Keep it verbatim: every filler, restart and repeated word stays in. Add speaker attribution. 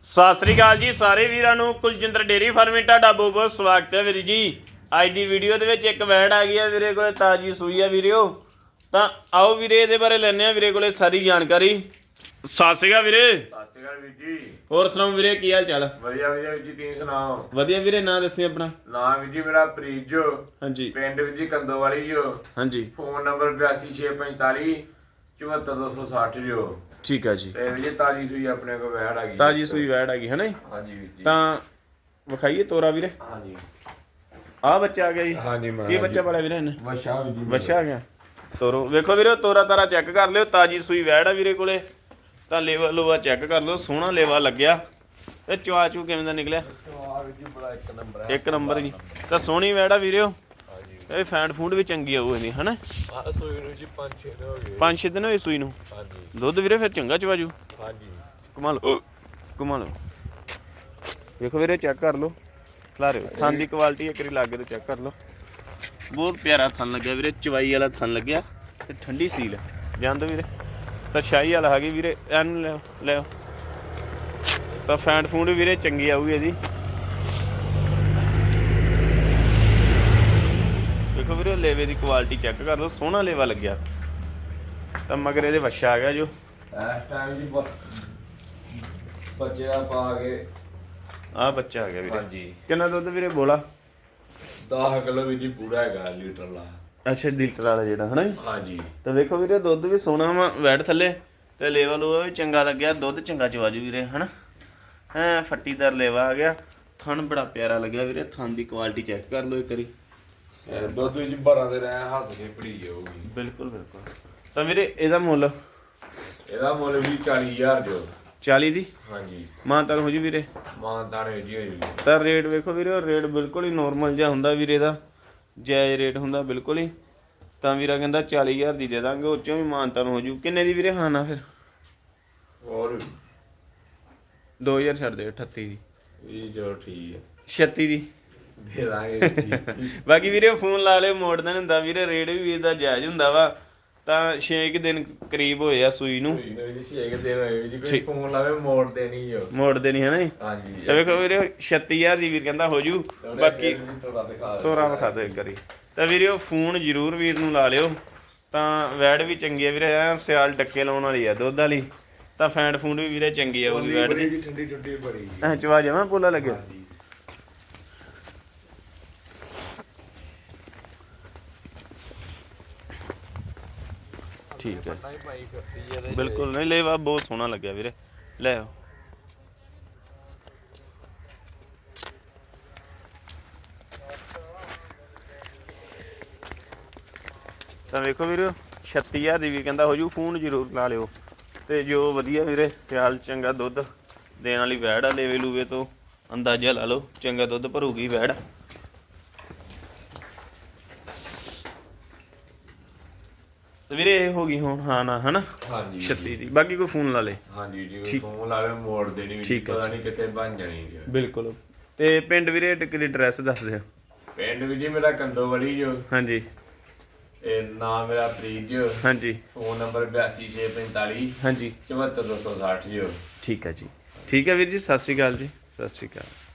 Speaker 1: ਸਤਿ ਸ੍ਰੀ ਅਕਾਲ ਜੀ ਸਾਰੇ ਵੀਰਾਂ ਨੂੰ। ਕੁਲਜਿੰਦਰ ਡੇਰੀ ਫਾਰਮਿੰਗ ਤੁਹਾਡਾ ਬਹੁਤ ਬਹੁਤ ਸਵਾਗਤ ਹੈ ਵੀਰ ਜੀ। ਅੱਜ ਦੀ ਵੀਡੀਓ ਦੇ ਵਿੱਚ ਇੱਕ ਵੈੜ ਆ ਗਈ ਹੈ ਵੀਰੇ ਕੋਲੇ, ਤਾਜੀ ਸੂਈ ਆ ਵੀਰਿਓ। ਤਾਂ ਆਓ ਵੀਰੇ ਇਹਦੇ ਬਾਰੇ ਲੈਣੇ ਆ ਵੀਰੇ ਕੋਲੇ ਸਾਰੀ ਜਾਣਕਾਰੀ। ਸਤਿ ਸ੍ਰੀ ਅਕਾਲ ਵੀਰੇ।
Speaker 2: ਸਤਿ ਸ਼੍ਰੀ ਅਕਾਲ ਵੀਰ ਜੀ।
Speaker 1: ਹੋਰ ਸੁਣਾਓ ਵੀਰੇ, ਕੀ ਹਾਲ ਚਾਲ?
Speaker 2: ਵਧੀਆ ਵਧੀਆ ਵੀਰ ਜੀ, ਤੁਸੀਂ ਸੁਣਾਓ?
Speaker 1: ਵਧੀਆ ਵੀਰੇ। ਨਾਂ ਦੱਸਿਓ ਆਪਣਾ।
Speaker 2: ਨਾਮ ਵੀਰ ਜੀ ਮੇਰਾ ਪ੍ਰੀਤ ਜੋ,
Speaker 1: ਹਾਂਜੀ।
Speaker 2: ਪਿੰਡ ਵੀਰ ਜੀ ਕੰਦੋਵਾਲੀ ਜੋ।
Speaker 1: ਹਾਂਜੀ।
Speaker 2: ਫੋਨ ਨੰਬਰ ਬਿਆਸੀ ਛੇ ਪੰਤਾਲੀ ਚੁਹੱਤਰ ਦੋ ਸੌ ਸੱਠ ਜੋ।
Speaker 1: ਠੀਕ ਆ ਜੀ।
Speaker 2: ਤੇ ਵੀਰ ਜੀ ਤਾਜੀ ਸੂਈ ਆਪਣੇ ਕੋਲ ਵੈੜ ਆ ਗਈ।
Speaker 1: ਤਾਜੀ ਸੂਈ ਵੈੜ ਆ ਗਈ ਹੈ ਨਾ?
Speaker 2: ਹਾਂਜੀ ਵੀਰ ਜੀ।
Speaker 1: ਤਾਂ ਵਿਖਾਈਏ ਤੋਰਾ ਵੀਰੇ।
Speaker 2: ਹਾਂਜੀ
Speaker 1: ਆ ਬੱਚਾ ਆ ਗਿਆ ਜੀ।
Speaker 2: ਹਾਂਜੀ ਮੈਂ
Speaker 1: ਕੀ ਬੱਚਾ ਪਾਲਿਆ ਵੀਰੇ ਇਹਨੇ?
Speaker 2: ਵਛਾ ਵੀਰ ਜੀ।
Speaker 1: ਵਛਾ ਆ ਗਿਆ। ਤੋਰੋ ਵੇਖੋ ਵੀਰੇ, ਤੋਰਾ ਤਾਰਾ ਚੈੱਕ ਕਰ ਲਿਓ। ਤਾਜੀ ਸੂਈ ਵੈੜ ਆ ਵੀਰੇ ਕੋਲੇ। ਤਾਂ ਲੇਵਾ ਲੋਵਾ ਚੈੱਕ ਕਰ ਲਓ, ਸੋਹਣਾ ਲੇਵਾ ਲੱਗਿਆ। ਤੇ ਚਵਾ ਚੂ ਕਿਵੇਂ ਦਾ ਨਿਕਲਿਆ?
Speaker 2: ਆ ਵੀਰ ਜੀ ਬੜਾ ਇੱਕ ਨੰਬਰ ਹੈ।
Speaker 1: ਇੱਕ ਨੰਬਰ ਜੀ। ਤਾਂ ਸੋਹਣੀ ਵੈੜ ਆ ਵੀਰਿਓ। ਇਹ ਫੈਂਡ ਫੂਡ ਵੀ ਚੰਗੀ ਆਊ ਇਹਦੀ ਹਨਾ।
Speaker 2: ਆ ਸੂਈ ਨੂੰ ਜੀ ਪੰਜ ਛੇ ਦਿਨ ਹੋ ਗਏ।
Speaker 1: ਪੰਜ ਛੇ ਦਿਨ ਹੋਏ ਸੂਈ ਨੂੰ।
Speaker 2: ਹਾਂਜੀ।
Speaker 1: ਦੁੱਧ ਵੀਰੇ ਫਿਰ ਚੰਗਾ ਚਵਾਜੂ।
Speaker 2: ਹਾਂਜੀ।
Speaker 1: ਕਮਾ ਲਓ ਕਮਾ ਲਓ। ਵੇਖੋ ਵੀਰੇ, ਚੈੱਕ ਕਰ ਲਓ ਖਲਾਰੇ ਥਣ ਦੀ ਕੁਆਲਿਟੀ। ਇੱਕ ਵਾਰੀ ਲਾਗੇ ਤੋਂ ਚੈੱਕ ਕਰ ਲਓ। ਬਹੁਤ ਪਿਆਰਾ ਥਣ ਲੱਗਿਆ ਵੀਰੇ, ਚਵਾਈ ਵਾਲਾ ਥਣ ਲੱਗਿਆ ਤੇ ਠੰਡੀ ਸੀਲ ਹੈ। ਜਾਣ ਦੋ ਵੀਰੇ। ਤਾਂ ਸ਼ਾਹੀ ਵਾਲਾ ਹੈਗੀ ਵੀਰੇ। ਇਹਨੂੰ ਲਿਓ ਲਿਓ। ਤਾਂ ਫੈਂਡ ਫੂਡ ਵੀਰੇ ਚੰਗੀ ਆਊਗੀ ਇਹਦੀ। ਦੇਖੋ ਵੀਰੇ, ਲੇਵੇ ਦੀ ਕੁਆਲਿਟੀ ਚੈੱਕ ਕਰ ਲਓ, ਸੋਹਣਾ ਲੇਵਾ ਲੱਗਿਆ। ਤਾਂ ਮਗਰ ਇਹਦੇ ਵੱਛਾ ਆ ਗਿਆ ਜੋ।
Speaker 2: ਇਸ ਟਾਈਮ ਜੀ ਬੱਚੇ ਦਾ ਪਾ ਕੇ
Speaker 1: ਆਹ ਬੱਚਾ ਆ ਗਿਆ ਵੀਰੇ।
Speaker 2: ਹਾਂਜੀ।
Speaker 1: ਕਿੰਨਾ ਦੁੱਧ ਵੀਰੇ ਬੋਲਾ?
Speaker 2: ਦਸ ਕਿਲੋ ਵੀ ਜੀ ਪੂਰਾ ਹੈਗਾ ਲੀਟਰ ਲਾ।
Speaker 1: ਅੱਛਾ, ਲੀਟਰ ਵਾਲਾ ਜਿਹੜਾ ਹਨਾ।
Speaker 2: ਹਾਂਜੀ।
Speaker 1: ਤਾਂ ਵੇਖੋ ਵੀਰੇ, ਦੁੱਧ ਵੀ ਸੋਹਣਾ ਵਾ ਵੈੜ ਥੱਲੇ। ਤੇ ਲੇਵਾ ਲੂਵਾ ਵੀ ਚੰਗਾ ਲੱਗਿਆ। ਦੁੱਧ ਚੰਗਾ ਚਵਾਜੂ ਵੀਰੇ ਹਨਾ। ਹੈਂ ਫੱਟੀਦਾਰ ਲੇਵਾ ਆ ਗਿਆ। ਥਣ ਬੜਾ ਪਿਆਰਾ ਲੱਗਿਆ ਵੀਰੇ। ਥਣ ਦੀ ਕੁਆਲਿਟੀ ਚੈੱਕ ਕਰ ਲਓ ਇੱਕ ਵਾਰੀ।
Speaker 2: ਦੁੱਧ ਵਿੱਚ ਬਾਰਾਂ ਦੇ ਰਹਿ ਹੱਥ ਕੇ ਪੜੀ ਜਾਊਗੀ।
Speaker 1: ਬਿਲਕੁਲ ਬਿਲਕੁਲ। ਤਾਂ ਵੀਰੇ ਇਹਦਾ ਮੁੱਲ?
Speaker 2: ਇਹਦਾ ਮੁੱਲ ਵੀ ਚਾਲੀ ਹਜ਼ਾਰ ਜੋ।
Speaker 1: ਚਾਲੀ ਦੀ?
Speaker 2: ਹਾਂਜੀ।
Speaker 1: ਮਾਨਤਾਨ ਹੋ ਜੀ ਵੀਰੇ?
Speaker 2: ਮਾਨਤਾਨ ਹੋ ਜੀ। ਹੋਈ
Speaker 1: ਤਾਂ ਰੇਟ ਵੇਖੋ ਵੀਰੇ, ਰੇਟ ਬਿਲਕੁਲ ਹੀ ਨੋਰਮਲ ਜਿਹਾ ਹੁੰਦਾ ਵੀਰੇ ਦਾ। ਜਾਇਜ਼ ਰੇਟ ਹੁੰਦਾ ਬਿਲਕੁਲ ਹੀ। ਤਾਂ ਵੀਰਾ ਕਹਿੰਦਾ ਚਾਲੀ ਹਜ਼ਾਰ ਦੀ ਦੇ ਦਾਂਗੇ, ਉਹ 'ਚੋਂ ਵੀ ਮਾਨਤਾਨ ਹੋ ਜੂ। ਕਿੰਨੇ ਦੀ ਵੀਰੇ ਖਾਣਾ ਫਿਰ?
Speaker 2: ਹੋਰ
Speaker 1: ਦੋ ਹਜ਼ਾਰ ਛੱਡ ਦੇ। ਅਠੱਤੀ ਦੀ।
Speaker 2: ਇਹ ਜੋ ਠੀਕ ਹੈ।
Speaker 1: ਛੱਤੀ ਦੀ
Speaker 2: ਦੇ ਦਾਂਗੇ।
Speaker 1: ਬਾਕੀ ਵੀਰੇ ਫੋਨ ਲਾ ਲਿਓ, ਮੋੜਦਾ ਨਹੀਂ ਹੁੰਦਾ ਵੀਰੇ। ਰੇਟ ਵੀ ਵੀਰ ਦਾ ਜਾਇਜ਼ ਹੁੰਦਾ ਵਾ। ਤਾਂ ਛੇ ਕੁ ਦਿਨ ਕਰੀਬ ਹੋਏ ਆ ਸੂਈ ਨੂੰ।
Speaker 2: ਸੂਈ ਨੂੰ ਜੀ ਛੇ ਕੁ ਦਿਨ ਹੋਏ ਜੀ। ਕੋਈ ਫੋਨ ਲਾਵੇ ਮੋੜ ਦੇਣੀ ਜੋ।
Speaker 1: ਮੋੜਦੇ ਨਹੀਂ ਹਨਾ ਜੀ।
Speaker 2: ਹਾਂਜੀ।
Speaker 1: ਤਾਂ ਵੇਖੋ ਵੀਰੇ, ਛੱਤੀ ਹਜ਼ਾਰ ਦੀ ਵੀਰ ਕਹਿੰਦਾ ਹੋ ਜੂ। ਬਾਕੀ
Speaker 2: ਤੋਰਾ ਦਿਖਾ
Speaker 1: ਤੋਰਾ ਵਿਖਾ ਦਿਓ ਇੱਕ ਵਾਰੀ। ਤਾਂ ਵੀਰੇ ਉਹ ਫੋਨ ਜ਼ਰੂਰ ਵੀਰ ਨੂੰ ਲਾ ਲਿਓ। ਤਾਂ ਵੈੜ ਵੀ ਚੰਗੀ ਆ ਵੀਰੇ। ਐ ਸਿਆਲ ਡੱਕੇ ਲਾਉਣ ਵਾਲੀ ਆ ਦੁੱਧ ਵਾਲੀ। ਤਾਂ ਫੈਂਡ ਫੂਡ ਵੀ ਵੀਰੇ ਚੰਗੀ ਆਊਗੀ ਵੈੜ ਦੀ।
Speaker 2: ਠੰਡੀ ਠੰਡੀ ਬੜੀ।
Speaker 1: ਐ ਚਵਾ ਜਾਵਾਂ ਪੋਲਾ ਲੱਗਿਆ। ਠੀਕ ਹੈ। ਬਿਲਕੁਲ ਨਹੀਂ, ਲੇਵਾ ਬਹੁਤ ਸੋਹਣਾ ਲੱਗਿਆ ਵੀਰੇ। ਲੈ ਆਓ। ਤਾਂ ਵੇਖੋ ਵੀਰੇ, ਛੱਤੀ ਹਜ਼ਾਰ ਦੀ ਵੀ ਕਹਿੰਦਾ ਹੋ ਜੂ। ਫੋਨ ਜ਼ਰੂਰ ਲਾ ਲਿਓ। ਤੇ ਜੋ ਵਧੀਆ ਵੀਰੇ ਸਿਆਲ ਚੰਗਾ ਦੁੱਧ ਦੇਣ ਵਾਲੀ ਵੈੜ ਆ। ਲੇਵੇ ਲੂਵੇ ਤੋਂ ਅੰਦਾਜ਼ਾ ਲਾ ਲਓ, ਚੰਗਾ ਦੁੱਧ ਭਰੂਗੀ ਵੈੜ। ਤੇ ਵੀਰੇ ਇਹ ਹੋ ਗਈ ਹੁਣ ਹਾਂ ਨਾ ਹਨਾ।
Speaker 2: ਹਾਂਜੀ।
Speaker 1: ਛੱਤੀ ਦੀ। ਬਾਕੀ ਕੋਈ ਫੋਨ ਲਾ ਲੇ।
Speaker 2: ਹਾਂਜੀ ਜੀ। ਫੋਨ ਲਾਵੇ ਮੋੜ ਦੇਣੀ ਵੀ। ਪਤਾ ਨਹੀਂ ਕਿੱਥੇ ਬਣ ਜਾਣੀ ਜੀ।
Speaker 1: ਬਿਲਕੁਲ। ਤੇ ਪਿੰਡ ਵੀਰੇ ਕਿਹੜੀ ਐਡਰੈਸ ਦੱਸ ਦਿਓ।
Speaker 2: ਪਿੰਡ ਵੀ ਜੀ ਮੇਰਾ ਕੰਦੋਵਾਲੀ ਜੋ।
Speaker 1: ਹਾਂਜੀ।
Speaker 2: ਇਹ ਨਾਮ ਮੇਰਾ ਪ੍ਰੀਤ ਜੋ।
Speaker 1: ਹਾਂਜੀ।
Speaker 2: ਫੋਨ ਨੰਬਰ ਬਿਆਸੀ ਛੇ ਪੰਤਾਲੀ
Speaker 1: ਹਾਂਜੀ
Speaker 2: ਚੁਹੱਤਰ ਦੋ ਸੌ ਸੱਠ ਜੋ।
Speaker 1: ਠੀਕ ਹੈ ਜੀ। ਠੀਕ ਹੈ ਵੀਰ ਜੀ, ਸਤਿ ਸ਼੍ਰੀ ਅਕਾਲ ਜੀ। ਸਤਿ ਸ਼੍ਰੀ ਅਕਾਲ।